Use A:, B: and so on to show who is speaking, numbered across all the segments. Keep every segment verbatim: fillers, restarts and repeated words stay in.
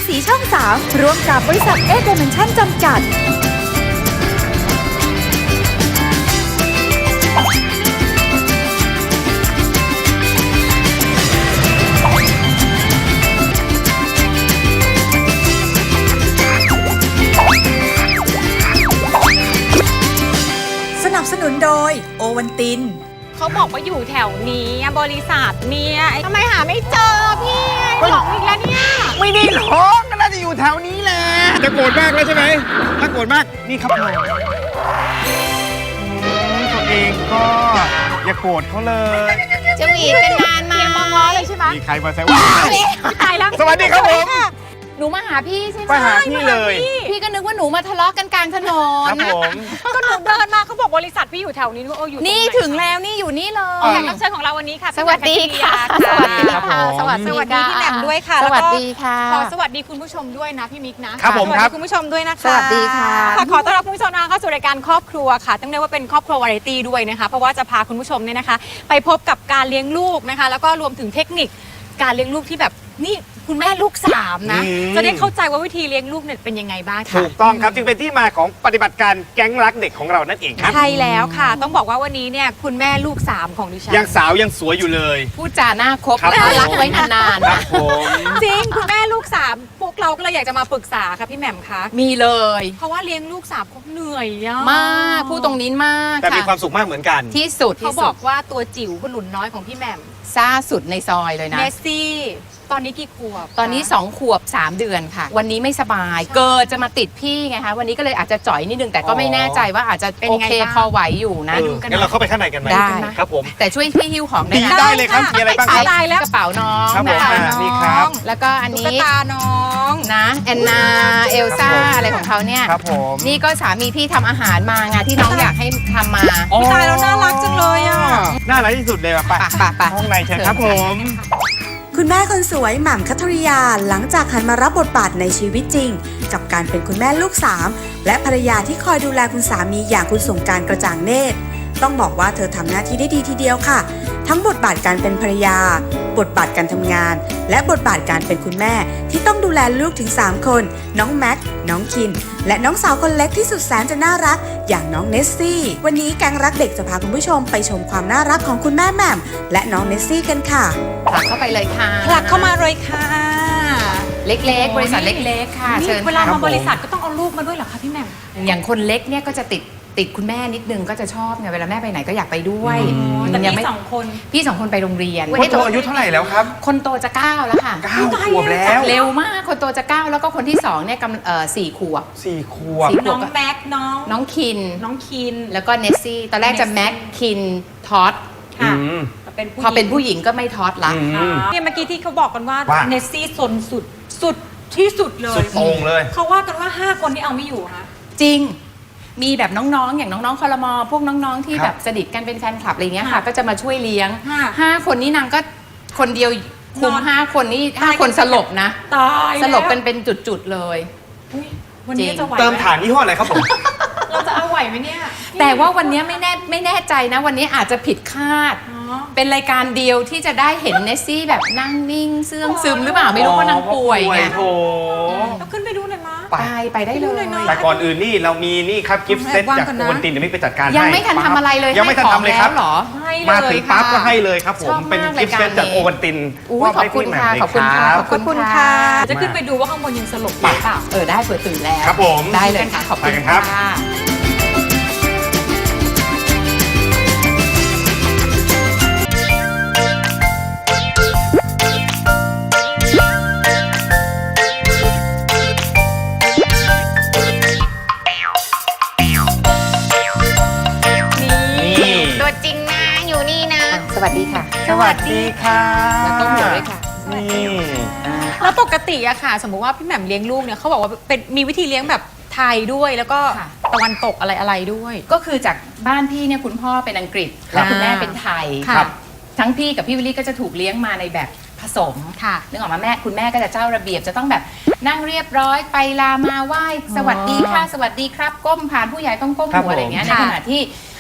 A: สีช่องสามร่วมกับบริษัทเอเดเมนชั่นจำกัดสนับสนุนโดยโอวันติน
B: เขาบอกว่าอยู่แถวนี้บริษัทเนี่ยทำไมหาไม่เจอพี่หลงอีกแล้วเนี่ย
C: ไม่ได้หลงก็น่าจะอยู่แถวนี้แหละจะโกรธมากแล้วใช่ไหมถ้าโกรธมากนี่ครับผมตัวเองก็อย่าโกรธเขาเลย
B: จะหวีดกันนานมาเมองล้อเลยใช่ไหม
C: มีใครมาแซวว่า
B: ตายแล้ว
C: สวัสดีครับผม
D: หนูมาหาพี่ใช่ไหม
C: มาหาพี่เลย
D: พี่ก็นึกว่าหนูมาทะเลาะกันกลางถนน
C: ครับผม
B: ก็หนูเดินมาเขาบอกบริษัทพี่อยู่แถวนี้นึกว่าเอออยู่
D: นี่ถึงแล้วนี่อยู่นี่เลย
B: แขกรับเชิญของเราวันนี้ค่ะ
D: สวัสดีค่ะสวัสดีค่ะสวัสดี
B: พี่แหม่มด้วยค่ะ
D: สวัสดีค่ะ
B: ขอสวัสดีคุณผู้ชมด้วยนะพี่มิกนะครับ
C: ผมครับ
B: คุณผู้ชมด้วยนะคะ
D: สวัสดีค่ะ
B: ขอต้อนรับคุณผู้ชมนะคะเข้าสู่รายการครอบครัวค่ะต้องเรียกว่าเป็นครอบครัววาไรตี้ด้วยนะคะเพราะว่าจะพาคุณผู้ชมเนี่ยนะคะไปพบกับการเลี้ยงลูกนะคะแล้วก็รวมถึงเทคนิคการเลี้ยงลูกที่แบบนี่คุณแม่ลูกสามนะจะได้เข้าใจว่าวิธีเลี้ยงลูกเนี่ยเป็นยังไงบ้างค่ะ
C: ถูกต้องครับจึงเป็นที่มาของปฏิบัติการแก๊งรักเด็กของเรานั่นเองครับ
B: ใช่แล้วค่ะต้องบอกว่าวันนี้เนี่ยคุณแม่ลูกสามของดิฉัน
C: ยังสาวยังสวยอยู่เลย
D: พูดจาหน้าคบรักไว้นาน
C: ๆครับผม
B: จริงคุณแม่ลูกสามพวกเราก็เลยอยากจะมาปรึกษาค่ะพี่แหม่มคะ
D: มีเลย
B: เพราะว่าเลี้ยงลูกสามเขาเหนื่อย
D: มากพูดตรงนี้มาก
C: แต่มีความสุขมากเหมือนกัน
D: ที่สุด
B: เขาบอกว่าตัวจิ๋วคุณหลุนน้อยของพี่แหม่ม
D: ซ่าสุดในซอยเลยนะ
B: เนสซี่ตอนนี้กี่ขวบ
D: ตอนนี้สองขวบสามเดือนค่ะวันนี้ไม่สบายเกิดจะมาติดพี่ไงคะวันนี้ก็เลยอาจจะจ่อยนิดนึงแต่ก็ไม่แน่ใจว่าอาจจะโอเคพอไหวอยู่นะ
C: ดูกันงั้นเราเข้าไปข้างในกันไหม
D: ได้
C: ครับผม
D: แต่ช่วยพี่หิ้วของได้
C: ได้เลยครับมีอะไรบ้างครับ
D: กระเป๋าน้อง
C: ครับผมนี่ครับ
D: แล้วก็อันนี้
B: ตุ๊กตาน้อง
D: นะแอนนาเอลซ่าอะไรของเขาเนี่ย
C: ครับผม
D: นี่ก็สามีพี่ทำอาหารมาไงที่น้องอยากให้ทำมา
B: ตายแล้วน่ารักจังเลยอ่ะ
C: น่ารักที่สุดเลยอ่ะไป
D: ไป
C: ห้องในเชิญครับผม
A: คุณแม่คนสวยหม่ำคัทริยาหลังจากหันมารับบทบาทในชีวิตจริงกับการเป็นคุณแม่ลูกสามและภรรยาที่คอยดูแลคุณสามีอย่างคุณสงกรานต์กระจ่างเนตรต้องบอกว่าเธอทำหน้าที่ได้ดีทีเดียวค่ะทั้งบทบาทการเป็นภรรยาบทบาทการทำงานและบทบาทการเป็นคุณแม่ที่ต้องดูแลลูกถึงสามคนน้องแม็กน้องคินและน้องสาวคนเล็กที่สุดแสนจะน่ารักอย่างน้องเนสซี่วันนี้แก๊งรักเด็กจะพาคุณผู้ชมไปชมความน่ารักของคุณแม่แหม่มและน้องเนสซี่กันค่ะ
D: ผลักเข้าไปเลยค่ะ
B: ผลักเข้ามาเลยค่ะ
D: เล็กๆบริษัทเล็กๆค่ะเชิญ
B: เวลามาบริษัทก็ต้องเอาลูกมาด้วยเหรอคะพี่แหม่ม
D: อย่างคนเล็กเนี่ยก็จะติดติดคุณแม่นิดนึงก็จะชอบไงเวลาแม่ไปไหนก็อยากไปด้วย
B: แต่พี่สองคน
D: พี่สองคนไปโรงเรียน
C: คนโตอายุเท่าไหร่แล้วครับ
D: คนโตจะเก้าแล้วค่ะ
C: เก้าขวบแล้ว
D: เร็วมากคนโตจะเก้าแล้วก็คนที่สองเนี่ยกำเอ่อสี่ขวบ
C: สี่ขวบ
B: น้องแม็กน้อง
D: น้องคิน
B: น้องคิน
D: แล้วก็เนสซี่ตอนแรกจะแม็กคินทอด
B: ค่ะ
D: พอเป็นผู้หญิงก็ไม่ทอดละ
B: เนี่ยเมื่อกี้ที่เขาบอกกันว่าเนสซี่สนสุดสุดที่สุดเลย
C: สุดโต่งเลย
B: เขาว่ากันว่าห้าคนที่เอาไม่อยู่คะ
D: จริงมีแบบน้องๆอย่างน้องๆคอรมอพวกน้องๆที่แบบสนิทกันเป็นแฟนคลับอะไรเงี้ยค่ะก็จะมาช่วยเลี้ยงห้าคนนี้นางก็คนเดียวคุมห้าคนนี่ห้าคนสลบนะ
B: ตาย
D: สลบเป็นเป็นจุดๆเลย
B: วันนี้จะไหว
C: เติมฐานยี่ห้ออะไรครับผม
B: เราจะเอาไหวไหมเนี่ย
D: แต่ว่าวันนี้ไม่แน่ไม่แน่ใจนะวันนี้อาจจะผิดคาดเป็นรายการเดียวที่จะได้เห็นเนสซี่แบบนั่งนิ่งเสื่องซึมหรือเปล่าไม่รู้ว่านางป่วยไง
B: เราขึ้นไปดูหน่อยมั้ย
D: ไปไปได้เลย
C: แต่ก่อนอื่นนี่เรามีนี่ครับกิฟต์เซตจากโอวัลตินเดี๋ยวไม่ไปจัดการให้
D: ยังไม่ทันทำอะไรเลย
C: ยังไม่ทันทำเลยครับ
D: หรอ
C: มาถึงปั๊บก็ให้เลยครับผมเป็นกิฟต์เซตจากโอวัลติน
D: ขอบคุณค่ะขอบคุณค่ะ
B: ขอบคุณค่ะจะขึ้นไปดูว่าข้างบนยังสลบหรือเปล่า
D: เออได้เปิดตื่นแล้ว
C: ครับผม
D: ได้เลยค่ะขอบคุณค่ะสวัสดีค่ะ
C: สวัสดีค่ะ
D: แล้วก็หัวด้วยค่ะ
C: นี่
B: แล้วปกติอะค่ะสมมุติว่าพี่แหม่มเลี้ยงลูกเนี่ยเขาบอกว่าเป็นมีวิธีเลี้ยงแบบไทยด้วยแล้วก็ตะวันตกอะไรอะไรด้วย
D: ก็คือจากบ้านพี่เนี่ยคุณพ่อเป็นอังกฤษแล้วคุณแม่เป็นไทยทั้งพี่กับพี่วิลลี่ก็จะถูกเลี้ยงมาในแบบผสมค่ะนึกออกมาแม่คุณแม่ก็จะเจ้าระเบียบจะต้องแบบนั่งเรียบร้อยไปลามาไหว้สวัสดีค่ะสวัสดีครับก้มผ่านผู้ใหญ่ต้องก้มหัวอะไรเงี้ยในขณะที่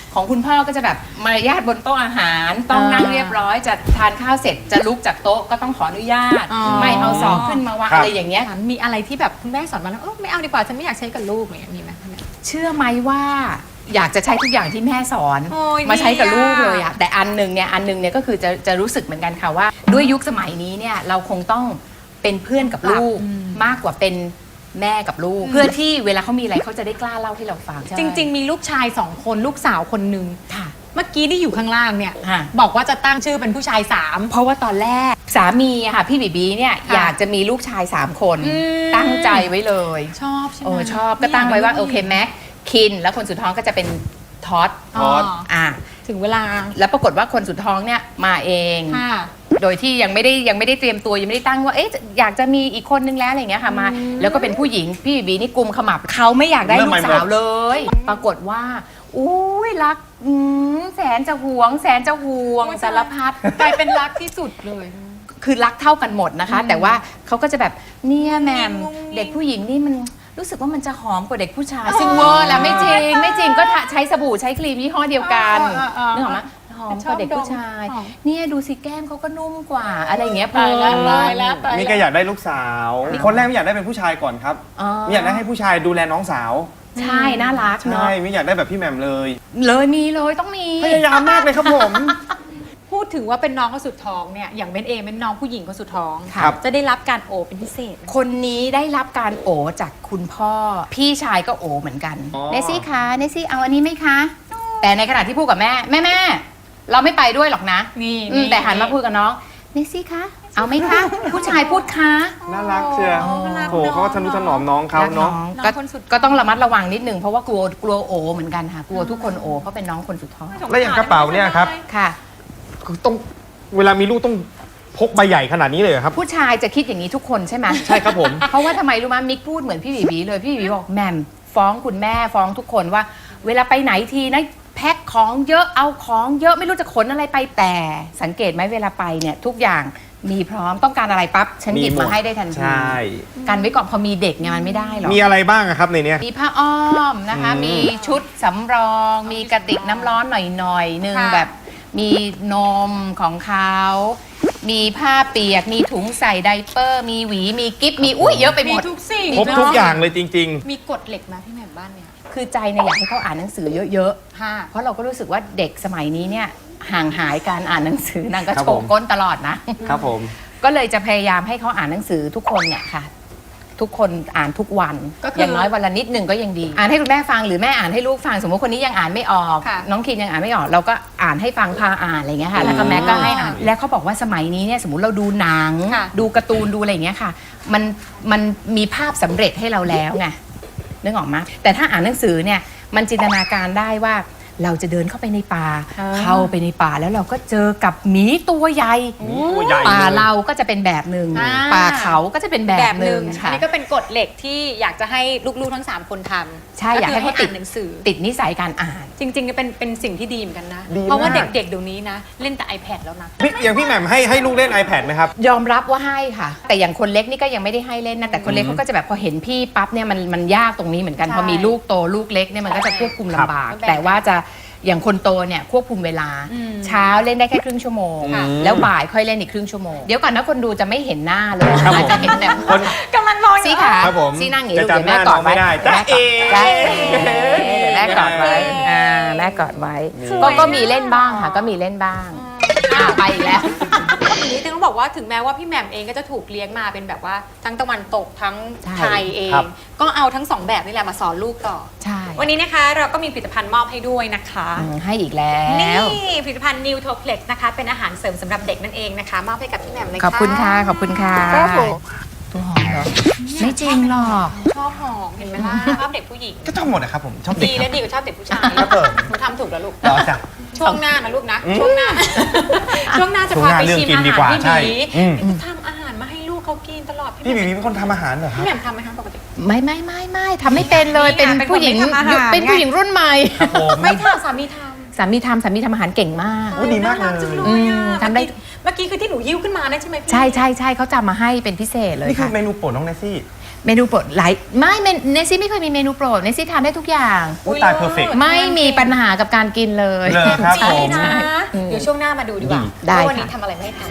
D: ของคุณพ่อก็จะแบบมารยาทบนโต๊ะอาหารต้องนั่งเรียบร้อยจะทานข้าวเสร็จจะลุกจากโต๊ะก็ต้องขออนุญาต
B: อ๋อ
D: ไม่เอาศอกขึ้นมาวาง
C: ครับ
D: อะไรอย่างเงี้ย
B: มีอะไรที่แบบคุณแม่สอนมาแล้วเออไม่เอาดีกว่าฉันไม่อยากใช้กับลูกอย่างเงี้ยมีไหมคุณแม่
D: เชื่อไหมว่าอยากจะใช้ทุกอย่างที่แม่สอน
B: โอ้ย
D: มาใช้กับ
B: ดีอะ
D: ลูกเลยอะแต่อันหนึ่งเนี่ยอันหนึ่งเนี่ยก็คือจะจะรู้สึกเหมือนกันค่ะว่า ด้วยยุคสมัยนี้เนี่ยเราคงต้องเป็นเพื่อนกับลูกมากกว่าเป็นแม่กับลูก เพื่อที่เวลาเขามีอะไรเขาจะได้กล้าเล่าให้เราฟัง
B: จริง ๆ มีลูกชายสองคนลูกสาวคนหนึ่ง
D: ๆค่ะ
B: เมื่อกี้ที่อยู่ข้างล่างเนี่ย
D: ค่ะ
B: บอกว่าจะตั้งชื่อเป็นผู้ชายสาม
D: เพราะว่าตอนแรกสามีอะค่ะพี่บีบีเนี่ย
B: ค่ะ
D: อยากจะมีลูกชายสามคน
B: อืม
D: ตั้งใจไว้เลย
B: ชอบใช่ไหม
D: โอ้ชอบก็ตั้งไว้ว่าโอเคแม็กคินแล้วคนสุดท้องก็จะเป็นท็อต
B: อ๋อ
D: อ่ะ
B: ถึงเวลา
D: แล้วปรากฏว่าคนสุดท้องเนี่ยมาเอง
B: ค่ะ
D: โดยที่ยังไม่ได้ยังไม่ได้เตรียมตัวยังไม่ได้ตั้งว่าเอ๊ะอยากจะมีอีกคนนึงแล้วอะไรอย่างเงี้ยค่ะมา แล้วก็เป็นผู้หญิงพี่บีบีนี่กุมขมับเขาไม่อยากได้
C: เริ่ม
D: ลู
C: ใหม่
D: ก
C: หมด
D: สาวเลย ปรากฏว่าอุ้ยรักอืมแสนจะหวง แสนจะห่วง
B: โอ้ย
D: สารพัด
B: กลายเป็นรักที่สุดเลย
D: คือรักเท่ากันหมดนะคะ แต่ว่าเขาก็จะแบบเนี่ยแหมม
B: งุ้งงิ้ง
D: เด็กผู้หญิงนี่มันรู้สึกว่ามันจะหอมกว่าเด็กผู้ชาย ซึ่งเวอร์แล้วไม่จริงไม่จริงก็ทะใช้สบู่ใช้ครีมยี่ห้อเดียวกัน
B: เออเออเออ
D: นึกออกไหมหอมกว่าเด็กผู้ชาย
B: ชอบดมหอม
D: เนี่ยดูสิแก้มเขาก็นุ่มกว่า อะไรอย่างเงี้ย
B: ตายแล้วตายแล้ว
C: นี่ก็อยากได้ลูกสาว คนแรกไม่อยากได้เป็นผู้ชายก่อนครับ
D: อ๋อ
C: ไม่อยากได้ให้ผู้ชายดูแลน้องสาว
D: ใช่น่ารัก
C: ใช่
D: เนาะ
C: ไม่อยากได้แบบพี่แหม่มเลย
D: เลยมีเลยต้องมี
C: พยายามมากเลยครับผม
B: พูดถึงว่าเป็นน้องคนสุดท้องเนี่ยอย่างเบนเองเป็นน้องผู้หญิงคนสุดท้อง
C: ครับ
B: จะได้รับการโอบเป็นพิเศษไหม
D: คนนี้ได้รับการโอจากคุณพ่อ พี่ชายก็โอเหมือนกัน
C: อ๋อ
D: เนซี่คะเนซี่เอาอันนี้ไหมคะ แต่ในขณะที่พูดกับแม่แม่แม่เราไม่ไปด้วยหรอกนะ
B: นี่
D: อืมแต่หันมาพูดกับน้องเนซี่คะเอาไหมคะ ผู้ชายพูดคะ
C: น่ารักเชียว
B: อ๋อน่ารัก
C: โถเขาก็ทนุถนอมน้องเขาเนาะ
D: รักอง
B: น้
D: ก็
B: องคนสุด
D: ก็ต้องระมัดระวังนิดนึงเพราะว่ากลัวกลัวโอเหมือนกันค่ะกลัวทุกคนโอเพราะเป็นน้องคนสุดท้อง
C: แล้วอย่างกระเป๋าเนี่ยครับ
D: ค่ะ
C: ต้องเวลามีลูกต้องพกใบใหญ่ขนาดนี้เลยเหรอครับ
D: ผู้ชายจะคิดอย่างนี้ทุกคนใช่ไหม
C: ใช่ครับผม
D: เพราะว่าทำไมรู้ไหมมิกพูดเหมือนพี่บีบีเลยพี่บีบีบอกแหม่มฟ้องคุณแม่ฟ้องทุกคนว่า เวลาไปไหนทีนะแพ็คของเยอะเอาของเยอะไม่รู้จะขนอะไรไปแต่สังเกตไหมเวลาไปเนี่ยทุกอย่างมีพร้อมต้องการอะไรปั๊บฉันหยิบมาให้ได้ทันที
C: ใช่
D: กันไว้ก่อนพอมีเด็กเนี่ยมันไม่ได้หรอก
C: มีอะไรบ้างอะครับในเนี้ย
D: มีผ้าอ้อมนะคะ
C: อืม
D: มีชุดสำรอง มีกระติกน้ำร้อนหน่อยๆหนึ่ง
B: ค่ะ
D: แบบมีนมของเขามีผ้าเปียกมีถุงใส่ไดเปอร์ มีหวีมีกิ๊บมีอุ้ยเยอะไปห
B: มี
D: มด
B: ทุกสิ่ง
C: ครบทุกอย่างเลยจริง
B: มีกฎเหล็กมาพี่แหม่มบ้านเนี่ย
D: คือใจเนี่ยอยากให้เขาอ่านหนังสือเยอะ
B: ค่ะ
D: ๆ เพราะเราก็รู้สึกว่าเด็กสมัยนี้เนี่ยห่างหายการอ่านหนังสือนางก็
C: ครับ
D: โช
C: ผ
D: ว์
C: ม
D: ก้นตลอดนะ
C: ๆ ครับผม
D: ก็เลยจะพยายามให้เขาอ่านหนังสือทุกคนเนี่ยค่ะ ทุกคนอ่านทุกวัน
B: ก็คือ
D: อย่างน้อยวันละนิดหนึ่งก็ยังดี อ่านให้คุณแม่ฟังหรือแม่อ่านให้ลูกฟังสมมติคนนี้ยังอ่านไม่ออก
B: ค่ะ
D: น้องคินยังอ่านไม่ออก เราก็อ่านให้ฟังพาอ่านอะไรอย่างเงี้ยค่ะแล้วก็แม่ก็ให้อ่านแล้วเขาบอกว่าสมัยนี้เนี่ยสมมติเราดูหนัง
B: ค่ะ
D: ดูการ์ตูนดูอะไรอย่างเงี้ยค่ะ มันมันมีภาพสำเร็จให้เราแล้วไงนึกออกไหมแต่ถ้าอ่านหนังสือเนี่ยมันจินตนาการได้ว่าเราจะเดินเข้าไปในป่า
B: อ่า
D: เข้าไปในป่าแล้วเราก็เจอกับหมีตัวใหญ่
C: ตัวใหญ่
D: ป่า
C: เลย
D: เราก็จะเป็นแบบหนึ่ง
B: อ่า
D: ป่าเขาก็จะเป็นแบ
B: แบบ บ
D: ห
B: ห
D: นึ่
B: นึ่
D: ง
B: งอัน
D: ค่ะ
B: นี้ก็เป็นกฎเหล็กที่อยากจะให้ลูกๆทั้งสามคนทำ
D: ใช่อยากให้เขาติด
B: นหนังสือ
D: ติดนิสัยการอ่าน
B: จริงๆก็เป็นเป็นสิ่งที่ดีเหมือนกันนะ
C: ดีมาก
B: เพราะว่าเด็กๆเดี๋ยวนี้นะ เล่นแต่ iPad แล้วนะ
C: พี่อย่างพี่แหม่มให้ให้ลูกเล่น iPad ไหมครับ
D: ยอมรับว่าให้ค่ะ แต่อย่างคนเล็กนี่ก็ยังไม่ได้ให้เล่นนะแต่คนเล็ก
C: อืม
D: เขาก็จะแบบพอเห็นพี่ปั๊บเนี่ยมันมันยากตรงนี้เหมือนกัน
B: ใช่
D: พอมีลูกโตลูกเล็กเนี่ยมันก็จะควบคุมลำบาก
B: ครับ
D: แต่ว่าจะอย่างคนโตเนี่ยควบคุมเวลา
B: อืม
D: เช้าเล่นได้แค่ครึ่งชั่วโมง
C: ค่ะ
D: แล้วบ่ายค่อยเล่นอีกครึ่งชั่วโมงเดี๋ยวก่อนนะคนดูจะไม่เห็นหน้าเลย
C: ครับผม
D: จะเห็นแบบ
C: คน
B: กำลังมองอยู่
D: ซีขา
C: ครับผม
D: ซีนั่งอย่างนี้
C: จะ
D: ลูกเดี๋ยว
C: จำ
D: แม่
C: หน้าก
D: อดไว้
C: น้องไม่ได้
D: แม่กอด
C: จ๊ะเอ๋
D: จ๊ะเอ๋เดี๋ยวแม่กอดไว้อ่าแม่กอดไว้ก็ก็มีเล่นบ้างค่ะก็มีเล่นบ้างอ่าไปอีกแล้ว
B: อย่างนี้ต้องบอกว่าถึงแม้ว่าพี่แหม่มเองก็จะถูกเลี้ยงมาเป็นแบบว่าทั้งตะวันตกทั้ง
D: ใช่
B: ไทยเอง
C: ครับ
B: ก็เอาทั้งสองแบบนี่แหละมาสอนลูกต่อ
D: ใช่
B: วันนี้นะคะเราก็มีผลิตภัณฑ์มอบให้ด้วยนะคะ
D: อืมให้อีกแล้
B: นี่
D: ว
B: ผลิตภัณฑ์ New t o p l e x นะคะเป็นอาหารเสริมสำหรับเด็กนั่นเองนะคะมอบให้กับพี่แหม่มเลย
D: ขอบคุณค่ะ ขอบคุณค่ะ
B: ครับผม
D: ตัวหอมเหรอ ไม่จริงหรอก
B: ชอบหอมเห็นไหมล่ะชอบเด็กผู้หญิง
C: ก็ชอบหมดนะครับผมชอบเด็ก
B: ดี
C: ค
B: และ
C: รับ
B: ดีกว่าชอบเด็กผู้ชาย
C: ครับผม
B: หนูทำถูกแล้วลูก
C: ต่อจ้ะ
B: ช่วงหน้านะลูกนะ
C: อืม
B: ช่วงหน้า ช่วงหน้าจะ
C: ช่วง
B: พา
C: หน้า
B: ไป
C: เรื่อง
B: ชิม
C: กิน
B: อา
C: ดี
B: หาร
C: กว่า
B: พี่ห
C: ใช่
B: มี
C: อืม
B: ทำอาหารมาให้ลูกเขากินตลอด
C: พี่บีบีเป็นคนทำอาหารเหรอครั
B: พี่
C: บ
B: แหม่มทำไหมคะปกติ
D: ไม่ไม่ไม่ไม่ทำไม่เป็นเลย
B: นี่
D: เป็น
B: ไงเป็น
D: ผู้หญิง
B: คนไม่ทำอาหาร
D: เป็นผู้หญิงรุ่นใหม่
C: ครับผม
B: ไม่ทำสามีทำ
D: สามีทำสามีทำอาหารเก่งมาก
C: โอ้ดีมากเลย
B: น่รัจังเลย
D: อื
B: อะ
D: มทำได้
B: เมื่อกี้คือที่หนูยิ้วขึ้นมานั่นใช่ไหมพี่
D: ใช่ใช่ใช่เขาจำมาให้เป็นพิเศษเลย
C: นี่คือ
D: ค่ะ
C: เมนูโปรดน้องเนสซี่
D: เมนูโปรดหลายไม่เมนเนซี่ไม่เคยมีเมนูโปรดเนซี่ทานได้ทุกอย่าง
C: อุ๊ยตาย perfect
D: ไม่มีปัญหากับการกินเลย
C: เลยครับ
B: ใช่
C: ผม
B: นะเดี๋ยวช่วงหน้ามาดูดีกว่า
D: ได้
B: ว่าวันนี้
D: ค่ะ
B: ทำอะไรไม่ทำ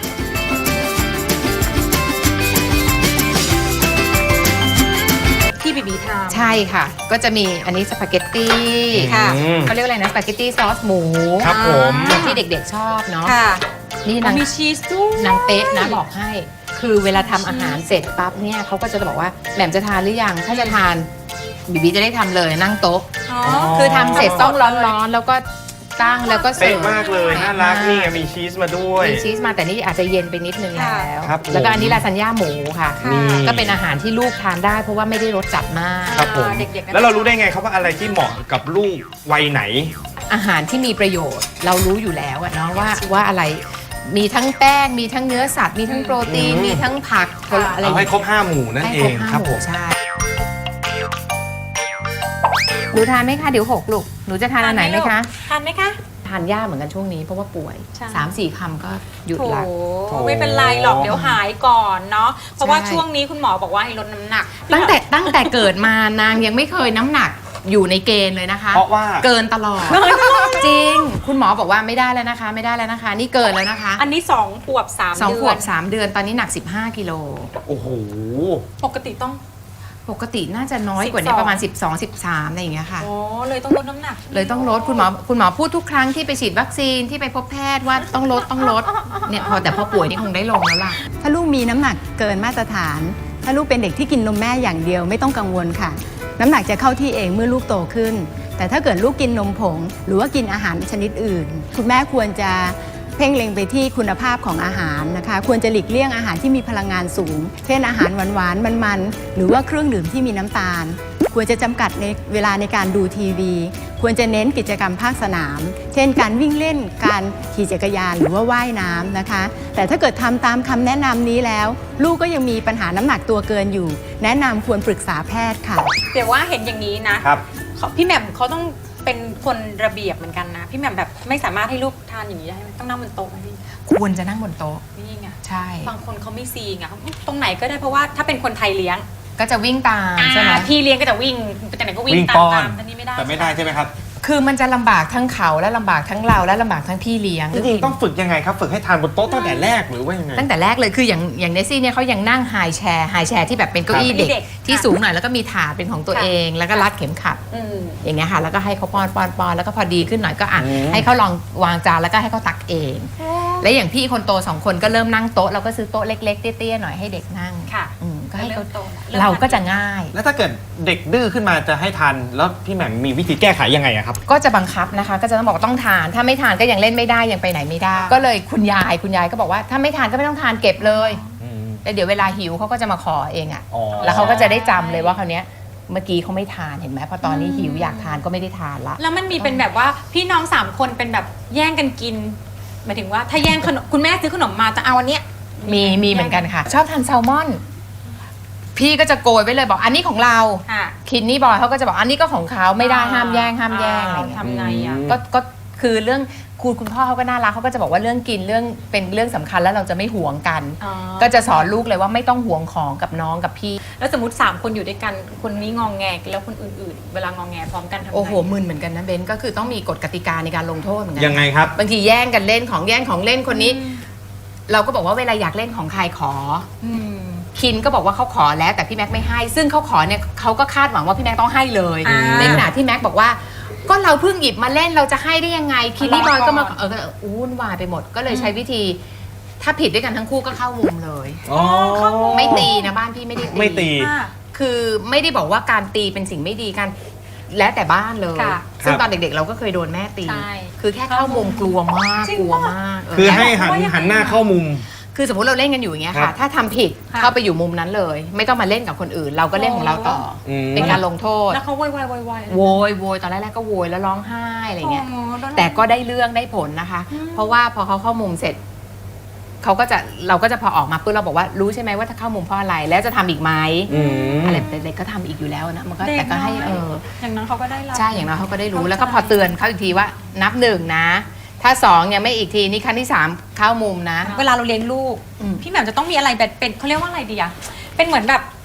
B: ที่บีบีทำ
D: ใช่ค่ะ ก็จะมีอันนี้สปาเกตตี้
B: ค่ะ
C: อืม
D: เขาเรียกว่าอะไรนะสปาเกตตี้ซอสหมู
C: ครับผม
D: ที่เด็กๆชอบเนาะ
B: ค่ะ
D: นี่นาง
B: มีชีสด้วย
D: นางเป๊ะนะบอกให้ คือเวลาทำอาหารเสร็จปั๊บเนี่ยเขาก็จะบอกว่าแหม่มจะทานหรือยังถ้าจะทานบีบีจะได้ทำเลยนั่งโต๊ะ
B: อ๋อ
D: คือทำเสร็จต้องร้อนๆแล้วก็ตั้งแล้วก็เสิ
C: เป๊ะ
D: ร์ฟ
C: มากเลยน่ารักนี่ไงมีชีสมาด้วย
D: มีชีสมาแต่นี่อาจจะเย็นไปนิดนึงแล้ว
C: ครับผม
D: แล้วก็อันนี้ลาซานญ่าหมูค่ะ
B: ค่ะ
C: นี่
D: ก็เป็นอาหารที่ลูกทานได้เพราะว่าไม่ได้รสจัดมาก
C: ครับผม
B: เด็กๆน่าจะ
C: แล้วเรารู้ได้ไงครับว่าอะไรที่เหมาะกับลูกวัยไหน
D: อาหารที่มีประโยชน์เรารู้อยู่แล้วอะเนาะว่าว่าอะไรมีทั้งแป้งมีทั้งเนื้อสัตว์มีทั้งโปรตีน
C: อืม
D: มีทั้งผัก
B: ค่ะ
D: อะไร
C: เอาให้ครบห้าหมู่นั่น
D: ให้
C: เอ
D: ครบ
C: ง
D: ห้า
C: ครับ
D: ห
C: ผ
D: มู่
C: ม
D: ใช่หนูทานไหมคะเดี๋ยวหกลูกหนูจะทานอันไหนไหมคะ
B: ทานไหมคะ
D: ทานยากเหมือนกันช่วงนี้เพราะว่าป่วย
B: ใช่
D: สามสี่คำก็หยุด
B: โถ
D: ละ
B: ไม่เป็นไรหรอกเดี๋ยวหายก่อนเนาะเพราะว่า
D: ใช่
B: ช่วงนี้คุณหมอบอกว่าให้ลดน้ำหนัก
D: ตั้งแต่ตั้งแต่เกิดมานางยังไม่เคยน้ำหนักอยู่ในเกณฑ์เลยนะคะ
C: เพราะว่า
D: เกินตลอดจริง คุณหมอบอกว่าไม่ได้แล้วนะคะ ไม่ได้แล้วนะคะ นี่เกินแล้วนะคะ
B: อันนี้สองขวบสาม
D: สอง
B: เดื
D: ข
B: อ
D: วน บสามเดือนตอนนี้หนักสิบห้ากิโล
C: โอ้โห
B: ปกติต้อง
D: ปกติน่าจะน้อยกว่านี้
B: สิบสอง
D: ประมาณ สิบสอง สิบสามอะไรอย่างเงี้ยค่ะ
B: อ๋อเลยต้องลดน้ำหนัก
D: เลยต้องลดคุณหมอคุณหมอพูดทุกครั้งที่ไปฉีดวัคซีนที่ไปพบแพทย์ว่าต้องลดต้องลดเนี่ยพอแต่พอป่วยนี่คงได้ลงแล้วล่ะ
E: ถ้าลูกมีน้ำหนักเกินมาตรฐาน ถ้าลูกเป็นเด็กที่กินนมแม่อย่างเดียวไม่ต้องกังวลค่ะ น้ำหนักจะเข้าที่เองเมื่อลูกโตขึ้น แต่ถ้าเกิดลูกกินนมผง หรือว่ากินอาหารชนิดอื่น คุณแม่ควรจะเพ่งเล็งไปที่คุณภาพของอาหารนะคะ ควรจะหลีกเลี่ยงอาหารที่มีพลังงานสูง เช่นอาหารหวานๆมันๆหรือว่าเครื่องดื่มที่มีน้ำตาล ควรจะจำกัดในเวลาในการดูทีวี ควรจะเน้นกิจกรรมภาคสนาม เช่นการวิ่งเล่น การขี่จักรยานหรือว่าว่ายน้ำนะคะ แต่ถ้าเกิดทำตามคำแนะนำนี้แล้ว ลูกก็ยังมีปัญหาน้ำหนักตัวเกินอยู่ แนะนำควรปรึกษาแพทย์ค่ะ
B: เดี๋ยวว่าเห็นอย่างนี้นะครับ เขาพี่แหม่มเขาต้องเป็นคนระเบียบเหมือนกันนะ พี่แหม่มแบบไม่สามารถให้ลูกทานอย่างนี้ได้ไหมต้องนั่งบนโต๊ะไหมพี่
D: ควรจะนั่งบนโต๊ะ
B: นี่ไง
D: ใช่
B: บางคนเขาไม่ซีไงเขาตรงไหนก็ได้เพราะว่าถ้าเป็นคนไทยเลี้ยง
D: ก็จะวิ่งตามใช่ไหม
B: อ่าพี่เลี้ยงก็จะวิ่งไปแต่ไหนก็วิ่ง
C: วิ่ง
B: ตา
C: ป้
B: ม
C: อน
B: ตามแต่นี่ไม่ได้
C: แต่ไม่ได้ใช่ไหมครับ
D: คือมันจะลำบากทั้งเขาและลำบากทั้งเราและลำบากทั้งพี่เลี้ยง
C: จริงๆต้องฝึกยังไงครับ ฝึกให้ทานบนโต๊ะตั้งแต่แรกหรือว่ายังไง
D: ตั้งแต่แรกเลยคืออย่างอย่างเนซี่เนี่ยเขายังนั่งไฮแชร์ไฮแชร์ที่แบบเป็นเก้าอี้เด็ก
B: เด็ก
D: ที่สูงหน่อยแล้วก็มีถาดเป็นของตัว
B: ค่ะ
D: เอง แล้วก็รัดเข็มขัด
B: อืม
D: อย่างเงี้ยค่ะแล้วก็ให้เขาป้อนป้อนป้อนแล้วก็พอดีขึ้นหน่อยก็อ่ะ
C: อืม
D: ให้เขาลองวางจานแล้วก็ให้เขาตักเอง และอย่างพี่คนโตสองคนก็เริ่มนั่งโต๊ะเราก็ซื้อโต๊ะเล็กๆเตี้ยๆหน่อยให้เด็กนั่ง
B: ค่ะ
D: อืมก็ให้เขา
B: เริ่มโตแล้ว
D: เราก็จะง่าย
C: แล้วถ้าเกิดเด็กดื้อขึ้นมาจะให้ทานแล้วพี่แหม่มมีวิธีแก้ไขยังไงอะครับ
D: ก็จะบังคับนะคะ ก็จะต้องบอกว่าต้องทาน ถ้าไม่ทานก็ยังเล่นไม่ได้ยังไปไหนไม่ได้ ก็เลยคุณยายคุณยายก็บอกว่าถ้าไม่ทานก็ไม่ต้องทานเก็บเลยแล้วเดี๋ยวเวลาหิวเขาก็จะมาขอเองอะ
C: อ๋อ
D: แล้วเขาก็จะได้จำเลยว่าคราวเนี้ยเมื่อกี้เขาไม่ทานเห็นไหมพอตอนนี้หิวอยากทานก็ไม่ได้ทานละ
B: แล้วมันมีเป็นแบบว่าพี่น้องสามคนเป็นแบบแย่งกันกินหมายถึงว่าถ้าแย่งขนมคุณแม่ซื้อขนมมาจะเอาอันเนี้ย
D: มีมีเหมือนกันค่ะ ชอบทานแซลมอน พี่ก็จะโกยไว้เลยบอกอันนี้ของเรา
B: ค่ะ
D: คินนี่บอยเขาก็จะบอกอันนี้ก็ของเขาไม่ได้ห้ามแย่งห้ามแย่งอะไรอย่างเงี้ย
B: ทำไงอ่ะ
D: ก็ก็คือเรื่องคุณคุณพ่อเขาก็น่ารักเขาก็จะบอกว่าเรื่องกินเรื่องเป็นเรื่องสำคัญแล้วเราจะไม่หวงกัน
B: อ๋อ
D: ก็จะสอนลูกเลยว่าไม่ต้องหวงของกับน้องกับพี่
B: แล้วสมมติสามคนอยู่ด้วยกันคนนี้งองแงแล้วคนอื่นๆ เวลางองแงพร้อมกันทำไง
D: โอ้โหมึนเหมือนกันนะเบนก็คือต้องมีกฎกติกาในการลงโทษเหมือนกั
C: ยังไงครับ
D: บางทีแย่งกันเล่นของแย่งของเล่นคนนี้ เราก็บอกว่าเวลาอยากเล่นของใครขอ
B: อืม
D: คินก็บอกว่าเขาขอแล้วแต่พี่แม็กไม่ให้ ซึ่งเขาขอเนี่ยเขาก็คาดหวังว่าพี่แม็กต้องให้เลย
B: อ่า
D: ในขณะที่แม็กบอกว่า ก็เราเพิ่งหยิบมาเล่นเราจะให้ได้ยังไงคินนี่บอยก็มาเออก็วุ่นวายไปหมด ก็เลยใช้วิธี ถ้าผิดด้วยกันทั้งคู่ก็เข้ามุมเลย
C: อ๋อ
D: ไม่ตีนะบ้านพี่ไม่ได้ตี
C: ไม่ตี
B: ค่ะ
D: คือไม่ได้บอกว่าการตีเป็นสิ่งไม่ดีกันแล้วแต่บ้านเลย
B: ค่ะ
D: ซึ่ง
C: ครับ
D: ตอนเด็กๆ เราก็เคยโดนแม่ตี
B: ใช่
D: คือแค่เข้ามุมกลัวมาก
B: จริง
D: กลัว
B: ปะ
D: มากเ
C: คือให้
D: แล้ว
C: หันหันหน้าเข้ามุม
D: คือสมมติเราเล่นกันอยู่อย่างเงี้ย
C: ครั
D: ค่ะ
C: บ
D: ถ้าทำผิด
B: ค่ะ
D: เข้าไปอยู่มุมนั้นเลย ไม่ต้องมาเล่นกับคนอื่น เราก็เล่นของเราต่ออ
C: ม
D: เป็นการลงโทษ
B: แล้วเขาโวยวายโวยวาย
D: โวย โวย ตอนแรกๆก็โวยแล้วร้องไห้อะไรเงี้ย
B: โโดน
D: แต่ก็ได้เรื่องได้ผลนะคะ เพราะว่าพอเขาเข้ามุมเสร็จ เขาก็จะเราก็จะพอออกมาปุ๊บเราบอกว่ารู้ใช่ไหมว่าถ้าเข้ามุมเพราะอะไร แล้วจะทำอีกไหม
C: อืม
D: อะไรแต่เด็กก็ทำอีกอยู่แล้วนะ มันก็แต่ก็ให้เออ
B: อย่างนั้นเขาก็ได้รับ
D: ใช่ อย่างน้อยเขาก็ได้รู้
B: เข้าใจ
D: แล้วก็พอเตือนเขาอีกทีว่านับหนึ่งนะ ถ้าสองยังไม่อีกทีนี่ครั้งที่สามเข้ามุมนะ
B: เวลาเราเลี้ยงลูก
D: อืม
B: พี่แหม่มจะต้องมีอะไรแบบเป็นเขาเรียกว่าอะไรดีอะเป็นเหมือนแบบ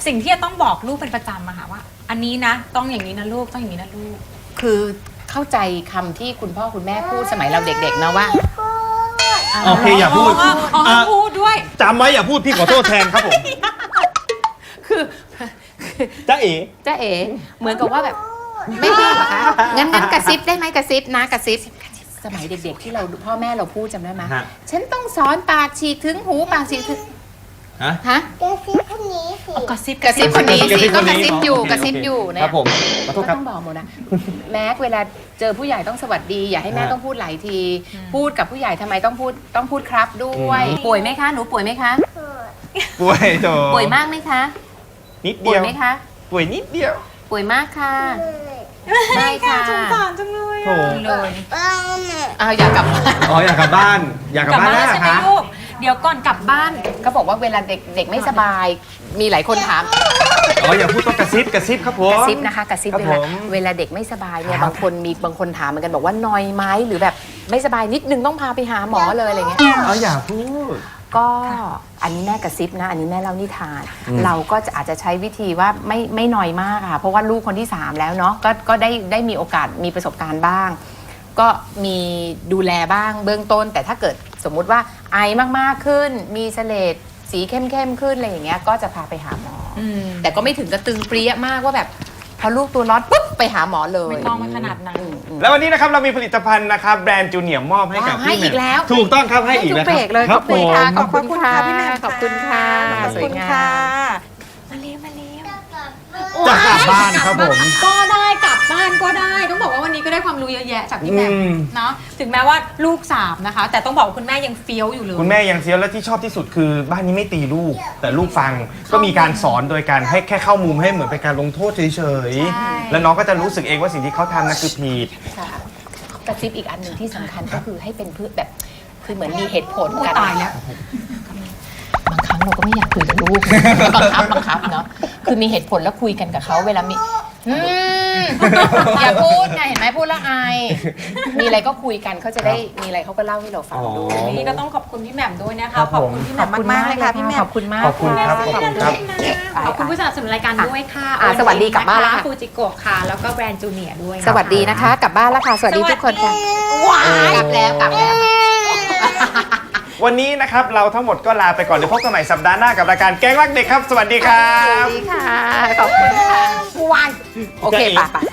B: สิ่งที่จะต้องบอกลูกเป็นประจำอะค่ะว่า อันนี้นะต้องอย่างนี้นะลูกต้องอย่างนี้นะลูก
D: คือเข้าใจคำที่คุณพ่อคุณแม่พูดสมัยเราเด็กๆนะว่า
C: โอเคอย่าพูด
B: อ๋ออ๋อ
C: อ่ะ
B: พูดด้วย
C: จำไว้อย่าพูดพี่ขอโทษแทนครับผม
D: คือ
C: จ้าเอ๋
D: จ้าเอ๋เหมือนกับว่าแบบไม่พูดเหรอคะงั้นงั้นกระซิบได้ไหมกระซิบนะกระซิบสมัยเด็กๆที่เราพ่อแม่เราพูดจำได้ไหม
C: ฮะ
D: ฉันต้องสอนปากฉีกถึงหูปากฉีกถึง
C: ฮะ
D: ฮะ
F: กระซิบคนนี้สิ
B: กระซิบ
D: กระซิบคนนี้
C: กระซิ
D: สิ
C: บ
D: ก็
C: คน
D: ก
C: นี้
D: ระซิบอยู่
C: โอเค
D: กระซิบอยู่
C: ค
D: เนี่
C: รั
D: ย
C: บผมขอโทษ
D: ก็
C: ครับ
D: ต้องบอกหมดนะแม็กเวลาเจอผู้ใหญ่ต้องสวัสดี อย่าให้แม่
C: ฮะ
D: ต้องพูดหลายที พูดกับผู้ใหญ่ทำไมต้องพูดต้องพูดครับด้วย ป่วยไหมคะหนูป่วยไหมคะ
C: ป่วยโถ
D: ป่วยมากไหมคะ
C: นิด
D: ป่
C: เดี
D: วย
C: ยว
D: ไหมคะ
C: ป่วยนิดเดียว
D: ป่วยมากค่ะไม่ค่ะ
B: สงสารจังเลย
C: โถ
B: อะเลย
F: บ้านน่ะ
D: อ้าวอยากกลับบ้าน
C: อ๋ออยากกลับบ้าน อยากกลับบ้านแล้วเหร
B: ใช่
C: อ
B: ไหม
C: คะ
B: ลูกเดี๋ยวก่อนกลับบ้าน
D: ก็บอกว่าเวลาเด็กเด็กไม่สบาย มีหลายคนถาม
C: อ๋ออย่าพูดต้องกระซิบกระซิบครับผม
D: กระซิบนะคะกระซิบ
C: ครับ
D: เวลา
C: ผม
D: เวลาเด็กไม่สบายเนี่ย
C: ครับ
D: บางคนมีบางคนถามเหมือนกันบอกว่านอยไหมหรือแบบไม่สบายนิดนึงต้องพาไปหาหมอเลยอะไรเงี้ย
C: อ๋ออย่าพูด
D: ก็อันนี้แม่กระซิบนะ อันนี้แม่เล่านิทาน เราก็จะอาจจะใช้วิธีว่าไม่ไม่น้อยมากค่ะเพราะว่าลูกคนที่สามแล้วเนาะก็ก็ได้ได้มีโอกาสมีประสบการณ์บ้าง ก็มีดูแลบ้างเบื้องต้น แต่ถ้าเกิดสมมุติว่าไอมากๆขึ้น มีเสลดสีเข้มๆขึ้นอะไรอย่างเงี้ยก็จะพาไปหาหมออแต่ก็ไม่ถึงกระตึงเปรี้ยมากว่าแบบพอลูกตัวร้อนปุ๊บไปหาหมอเลย
B: ไม่ต้องมาขนาดนั้น
D: อืมอืม
C: แล้ววันนี้นะครับเรามีผลิตภัณฑ์นะครับแบรนด์จูเนียร์มอบให้กับ
D: ว้าวให้
C: พี่
D: อีกแล้ว
C: ถูกต้องครับให้อีก
D: ทุ
C: แล้ว
D: เบรกเลย
C: ค
D: ข
C: รั
D: อ
C: บบ
D: คุณ
C: ผม
D: ค่ะขอบคุณค่ะ
B: พี่แหม่ม
D: ขอบคุณค่ะ
B: ขอบ
D: สวย
B: คุณ
D: งา
B: ค่ะ
D: ม
B: มาเลี้ยงมาเลี้ยง
C: จะกลับบ้านครับผม
B: ก็ได้กลับบ้านก็ได้ต้องบอกว่าวันนี้ก็ได้ความรู้เยอะแยะจากพี่แหม่ม
C: อืม
B: เนาะถึงแม้ว่าลูกสามนะคะ แต่ต้องบอกว่าคุณแม่ยังเฟี้ยวอยู่เลย
C: คุณแม่ยังเซียวและที่ชอบที่สุดคือบ้านนี้ไม่ตีลูก แต่ลูกฟังก็มีการสอนโดยการให้แค่เข้ามุมให้เหมือนเป็นการลงโทษเฉย
B: ใช่
C: ๆแล้วน้องก็จะรู้สึกเองว่าสิ่งที่เขาทำนั่นคือผิด
D: ค่ะกระซิบอีกอันหนึ่งที่สำคัญก็คือให้เป็นเพื่อแบบคือเหมือนมีเหตุผล
B: โอ้
D: กัน
B: ตายแล้ว
D: บางครั้งเราก็ไม่อยากคุยกับลูก บังคับบังคับเนาะคือมีเหตุผลแล้วคุยกันกับเขาเวลามีอืมอย่าพูดไงเห็นไหมพูดแล้วอายมีอะไรก็คุยกันเขาจะได้มีอะไรเขาก็เล่าให้เราฟังด้วย
B: นี่ก็ต้องขอบคุณพี่แหม่มด้วยนะคะ
C: ครับ
B: ขอบ
C: ผม
B: คุณพี่แหม่มมากๆเลยค่ะพี่แหม่ม
D: ขอบคุณมาก
C: ขอบคุณครับขอบคุณครับ
B: ขอบคุณผู้สนับสนุนรายการด้วยค่ะ
D: อ่ะสวัสดีกลับบ้านแล้วค่ะ
B: ฟูจิโกะค่ะ แล้วก็แบรนด์จูเนียร์ด้วย
D: สวัสดีนะคะ กลับบ้านแล้วค่ะ สวัสดีทุกคนค่ะ
B: ว้าย
D: กลับแล้วกลับแล้ว
C: วันนี้นะครับเราทั้งหมดก็ลาไปก่อนเดี๋ยวพบกันใหม่สัปดาห์หน้ากับรายการแก๊งรักเด็กครับ สวัสดีครั
D: สวั
C: บ
D: สดีค่ะ ขอบคุณค่ะวายโอเคป่ะป่ะ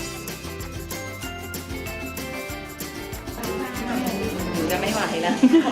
D: จะไม่ไหวแล้ว